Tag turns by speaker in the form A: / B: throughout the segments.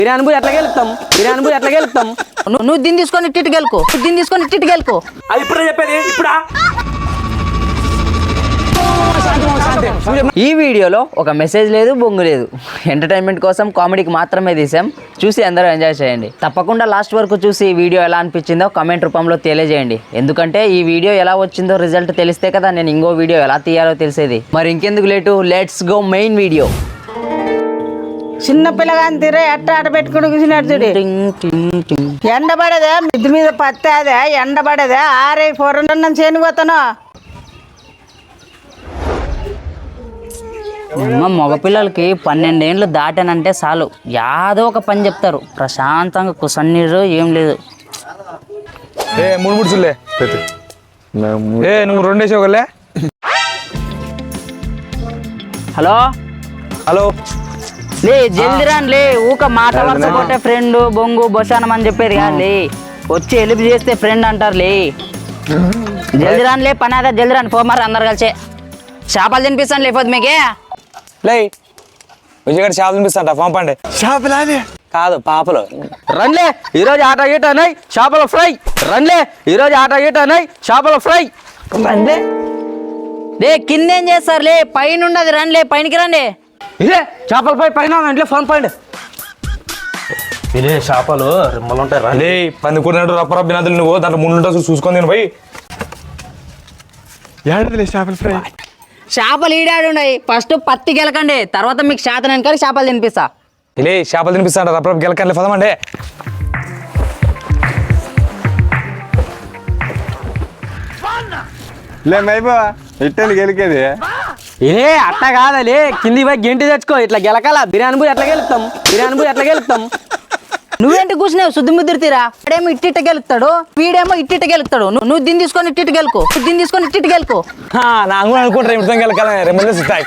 A: బిర్యానీ ఎట్లా గెలుపుతాం
B: నువ్వు దీన్ని తీసుకొని ఇట్టి గెలుకో
A: అది ఇప్పుడే చెప్పేది ఇప్పుడా.
B: ఈ వీడియోలో ఒక మెసేజ్ లేదు, బొంగు లేదు. ఎంటర్టైన్మెంట్ కోసం కామెడీకి మాత్రమే తీసాం. చూసి అందరూ ఎంజాయ్ చేయండి. తప్పకుండా లాస్ట్ వరకు చూసి ఈ వీడియో ఎలా అనిపించిందో కామెంట్ రూపంలో తెలియజేయండి. ఎందుకంటే ఈ వీడియో ఎలా వచ్చిందో రిజల్ట్ తెలిస్తే కదా నేను ఇంకో వీడియో ఎలా తీయాలో తెలిసేది. మరి ఇంకెందుకు late, let's go main video.
C: చిన్న పిల్లగాని తీరే ఎట్ట ఆట పెట్టుకుని కూర్చున్నాడు. ఎండబడదే మిద్ది మీద పత్తేదే, ఎండబడదే ఆరే పొరన్నం చేనుకోతాను.
B: మగపిల్లలకి 12 ఏళ్ళు దాటానంటే చాలు యాదో ఒక పని చెప్తారు. ప్రశాంతంగా కుసన్నీరు ఏం లేదు.
D: మూడు చూలే నువ్వు 2 వేసేవాళ్ళే.
B: హలో
D: హలో
B: లే జల్ది రాని లే. ఊక మాట వరుస కొట్టే ఫ్రెండ్ బొంగు బొసానం అని చెప్పేది కాదు లే. వచ్చి హెల్ప్ చేస్తే ఫ్రెండ్ అంటారు లే. జల్ది రాని లే, పని అదే జల్ది రాని. పో మరి అందరు కలిసే చేపలు తినిపిస్తాను లేకపోతే మీకే.
D: లే విజయగారు చేపలు తినిపిస్తాంట. పంపండి. చేపలు కాదు పాపలు.
A: రండ్లే ఈరోజు ఆట గీట అన్నాయి చేపల ఫ్రై. రండ్లే
B: లే కిందేం చేస్తారు లే, పైన ఉండదు. రండి పైనకి రండి.
A: ఇదే చేపల ఫ్రై పైన ఇంట్లో ఫోన్ పండి. ఇదే చేపలు రిమ్మలు ఉంటాయి.
D: లే పందుకున్నట్టు రప్ప బినాదులు నువ్వు దాంట్లో ముందు చూసుకొని నేను పోయి ఏడలే చేపల ఫ్రై.
B: చేపలు ఈడాడు ఉన్నాయి. ఫస్ట్ పత్తి గెలకండి, తర్వాత మీకు శాతం కానీ చేపలు తినిపిస్తా.
D: లే చేపలు తినిపిస్తాంట రప్ప గెలకండి పదమండి.
E: లే మైబా ఇట్టని గెలికేది.
A: ఏ అట్ట కాదలే, కింది పోయి గెంటి తెచ్చుకో. ఇట్లా గెలకాల బిర్యానీ ఎట్లా గెలుపుతాం.
B: నువ్వేంటి కూర్చున్నావు శుద్ధి ముద్దిరితీరా. వాడేమో ఇట్టిట్ట గెలుస్తాడు, వీడేమో ఇట్టిట్ట గెలుస్తాడు. నువ్వు దీన్ని తీసుకొని ఇట్టిట్టు గెలుకో.
D: నాకు కూడా అనుకుంటారు ఇంట్లో గెలకాల రెమ్మలు ఇస్తాయి.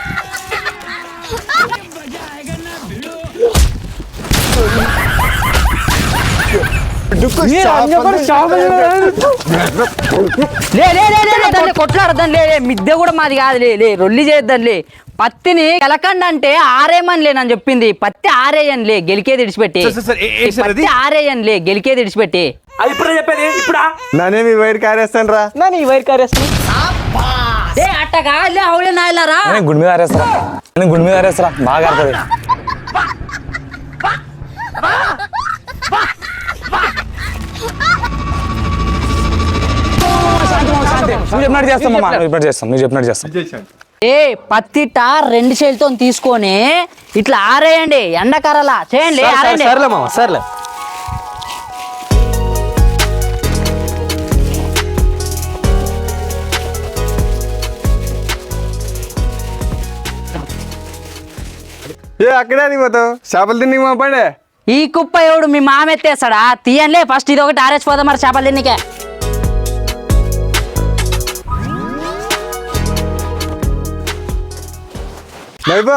B: కొట్లాడద్దాం లే. మిద్దె కూడా మాది కాదు లే. రొల్లి చేద్దాం లే. పత్తిని గెలకండి అంటే ఆరేమని లేనని చెప్పింది. పత్తి ఆరేయని లే, గెలికేది ఇడిచిపెట్టి.
A: అది ఇప్పుడే చెప్పేది ఇప్పుడా.
E: నానేమి వైర్ కారేస్తాను రా.
A: ఈ వైర్ కారేస్తాను.
B: అట్ట కాదులే, అవులే నాయలారా.
D: గుడి మీద ఆరేస్తారా బాగా ఆడుతుంది. నువ్వు చెప్పినట్టు చేస్తాం.
B: ఏ పత్తిట 2 చేతులతో తీసుకొని ఇట్లా ఆరేయండి. ఎండకరలా చేయండి.
A: సర్లే మామ సర్లే.
E: అక్కడే పోతావు చేపలు తిని పండే.
B: ఈ కుప్ప ఎవడు మీ మామ ఎత్తేస్తాడా? తీయంలే ఫస్ట్ ఇది ఒకటి ఆరేసిపోదాం మరి చేపలు తిన్నికే.
E: మైబా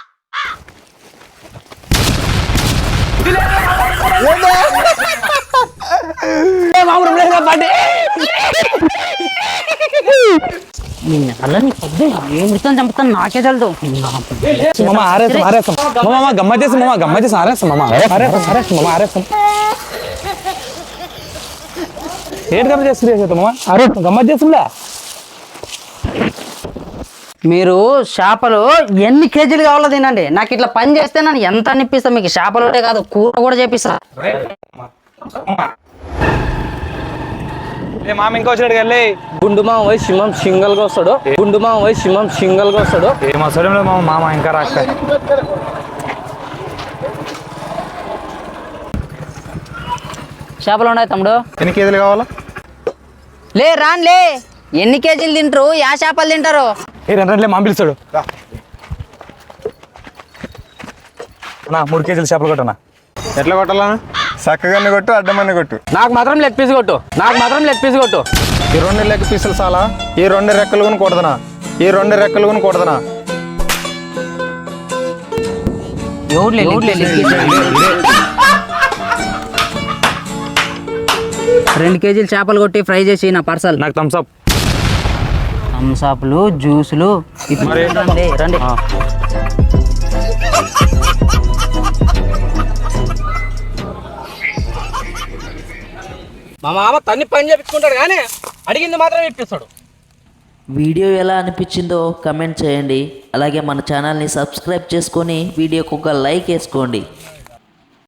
B: చంపుతాను నాకే తెలుదు.
D: గమ్మత్ చేసి ఆరేస్తాం. ఏంటి గమ్మత్ చేస్తుంది గమ్మత్ చేస్తుందా?
B: మీరు చేపలు ఎన్ని కేజీలు కావాలో తినండి. నాకు ఇట్లా పని చేస్తే నన్ను ఎంత అనిపిస్తా. మీకు చేపలు కాదు కూర కూడా చేపిస్తా.
D: మామ ఇంకా వచ్చాడు కదా.
A: గుండు మామ పోయి సింహం సింగల్ గా వస్తాడు.
D: ఏమో మామ ఇంకా రాక.
B: చేపలు ఉన్నాయి తమ్ముడు.
E: ఎన్ని కేజీలు కావాలా?
B: లే రాన్లే. ఎన్ని కేజీలు తింటారు? యా చేపలు తింటారు?
D: రండి మామ పిలుస్తాడు. 3 కేజీలు చేపలు కొట్టనా.
E: ఎట్లా కొట్టాలా? చక్కగానే కొట్టు, అడ్డమని కొట్టు.
A: నాకు మాత్రం లెగ్ పీస్ కొట్టు.
E: ఈ 2 లెగ్ పీసులు చాలా. ఈ 2 రెక్కలు కొని కొడదనా.
B: 2 కేజీలు చేపలు కొట్టి ఫ్రై చేసి నా పార్సల్.
D: నాకు థమ్స్అప్.
B: థమ్స్అప్లు జ్యూసులు రండి.
A: మా మామ తన్ని పని చేపించుకుంటాడు కానీ అడిగింది మాత్రం ఇప్పిస్తాడు.
F: వీడియో ఎలా అనిపించిందో కమెంట్ చేయండి. అలాగే మన ఛానల్ని సబ్స్క్రైబ్ చేసుకొని వీడియోకి ఒక లైక్ వేసుకోండి.